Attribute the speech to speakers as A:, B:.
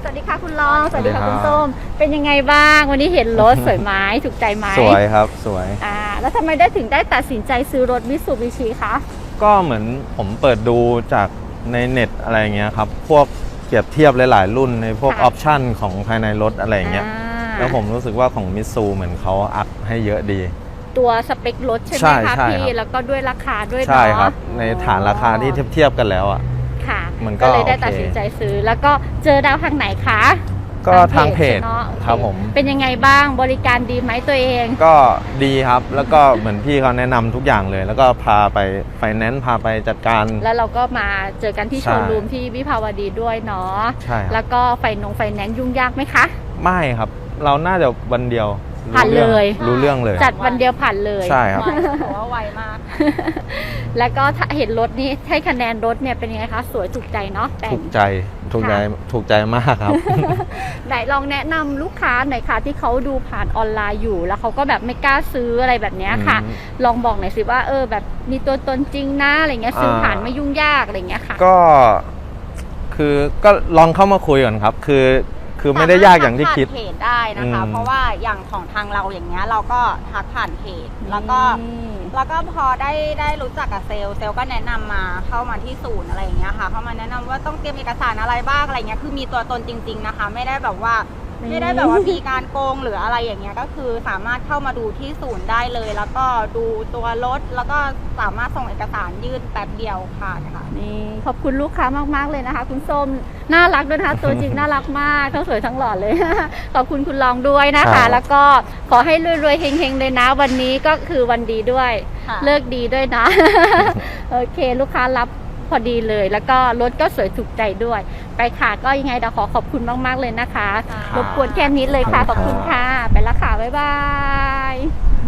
A: วัสดีค่ะคุณรองสวัสดีค่ะคุณส้มเป็นยังไงบ้างวันนี้เห็นรถสวยไหมถูกใจไหม
B: สวยครับสวย
A: แล้วทำไมถึงได้ตัดสินใจซื้อรถมิตซูบิชิคะ
B: ก็เหมือนผมเปิดดูจากในเน็ตอะไรเงี้ยครับพวกเปรียบเทียบหลายๆรุ่นในพวกออปชั่นของภายในรถอะไรเงี้ยแล้วผมรู้สึกว่าของมิตซูเหมือนเขาอัพให้เยอะดี
A: ตัวสเปครถใช่ไหมคะพี่แล้วก็ด้วยราคาด้วยเนาะ
B: ใช่ครับในฐานราคาที่เทียบกันแล้วอ่ะ
A: ค่ะมันก็เลยได้ตัดสินใจซื้อแล้วก็เจอดาวทางไหนคะ
B: ก็ทางเพจครับผม
A: เป็นยังไงบ้างบริการดีไหมตัวเอง
B: ก็ดีครับแล้วก็เหมือนพี่เขาแนะนำทุกอย่างเลยแล้วก็พาไปไฟแนนซ์พาไปจัดการ
A: แล้วเราก็มาเจอกันที่โชว์รูมที่วิภาวดีด้วยเนาะ
B: ใช่
A: แล้วก็ไฟแนนซ์ยุ่งยากไหมคะ
B: ไม่ครับเราน่าจะวันเดียว
A: ผ่านเลย
B: รู้เรื่องเลย
A: จัดวันเดียวผ่านเลย
B: ใช่ครับ
A: เพราะว่าไวมากแล้วก็เห็นรถนี้ให้คะแนนรถเนี่ยเป็นยังไงคะสวยถูกใจเนาะ
B: ถูกใจมากครับ
A: ไหนลองแนะนำลูกค้าหน่อยค่ะที่เขาดูผ่านออนไลน์อยู่แล้วเขาก็แบบไม่กล้าซื้ออะไรแบบนี้ค่ะลองบอกหน่อยสิว่าแบบมีตัวตนจริงนะอะไรเงี้ยซื้อผ่านไม่ยุ่งยากอะไรเงี้ยค่ะ
B: ก็ลองเข้ามาคุยก่อนครับคือไม่ได้ยากอย่างที่คิด
C: เพจได้นะคะเพราะว่าอย่างของทางเราอย่างเงี้ยเราก็ทักผ่านเพจแล้วก็พอได้รู้จักกับเซลล์ก็แนะนำมาเข้ามาที่ศูนย์อะไรอย่างเงี้ยค่ะเข้ามาแนะนำว่าต้องเตรียมเอกสารอะไรบ้างอะไรเงี้ยคือมีตัวตนจริงๆนะคะไม่ได้แบบว่ามีการโกงหรืออะไรอย่างเงี้ยก็คือสามารถเข้ามาดูที่ศูนย์ได้เลยแล้วก็ดูตัวรถแล้วก็สามารถส่งเอกสารยื่นแป๊บเดียวค่ะ
A: นี่ขอบคุณลูกค้ามากๆเลยนะคะคุณส้มน่ารักด้วยนะคะตัวจริงน่ารักมากทั้งสวยทั้งหล่อเลยขอบคุณคุณรองด้วยนะคะแล้วก็ขอให้รวยๆเฮงๆเลยนะวันนี้ก็คือวันดีด้วยเลิกดีด้วยนะโอเคลูกค้ารับพอดีเลยแล้วก็รถก็สวยถูกใจด้วยไปค่ะก็ยังไงเดี๋ยวขอบคุณมากๆเลยนะคะรบกวนแค่นี้เลยค่ะขอบคุณค่ะไปละค่ะบ๊ายบาย